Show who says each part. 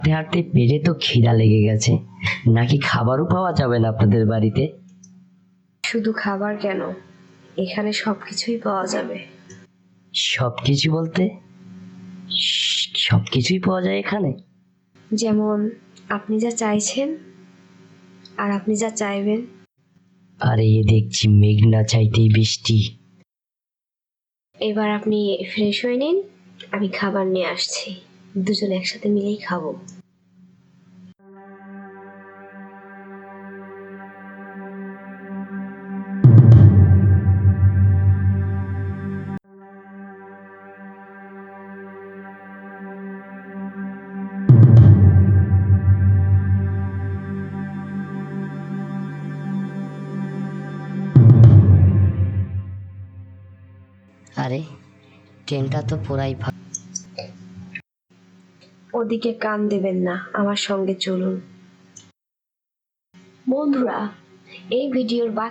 Speaker 1: হাঁটতে হাঁটতে পেটে তো খিদা লেগে গেছে, নাকি খাবারও পাওয়া যাবে না আপনাদের বাড়িতে?
Speaker 2: শুধু খাবার কেন, এখানে সবকিছুই পাওয়া যাবে।
Speaker 1: সবকিছু বলতে? সবকিছুই পাওয়া যায় এখানে?
Speaker 2: যেমন আপনি যা চাইছেন আর আপনি যা চাইবেন।
Speaker 1: আরে এ দেখছি মেঘ না চাইতেই বৃষ্টি।
Speaker 2: এবার আপনি ফ্রেশ হয়ে নিন, আমি খাবার নিয়ে আসছি, দুজন একসাথে মিলেই খাবো।
Speaker 1: আরে ট্রেনটা তো পুরাই
Speaker 2: ওদিকে কান দেবেন না, আমার সঙ্গে চলুন। বন্ধুরা, এই ভিডিওর